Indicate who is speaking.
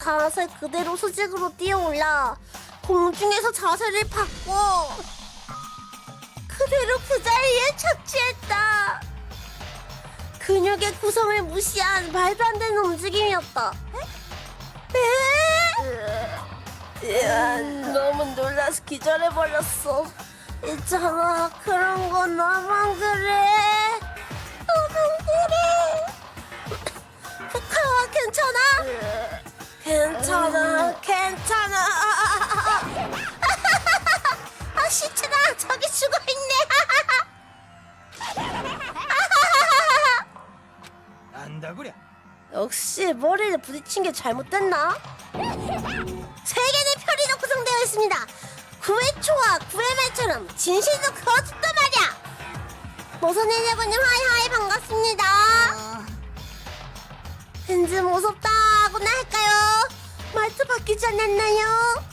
Speaker 1: 자세 그대로 수직으로 뛰어올라 공중에서 자세를 바꿔 그대로 그 자리에 착지했다. 근육의 구성을 무시한 말도 안 되는 움직임이었다. 너무 놀라서 기절해버렸어. 있잖아, 그런 건 나만 그래. 나만 그래. 괜찮아? 괜찮아. 시체다. 저기 죽어있네.
Speaker 2: 안다구려.
Speaker 1: 역시 머리를 부딪힌 게 잘못됐나? 세계는 편의로 구성되어 있습니다. 9회 초와 9회 말처럼 진실도 그렇단 말이야. 모선해내고님 하이하이 반갑습니다. 왠지 무섭다고나 할까요? 말투 바뀌지 않았나요?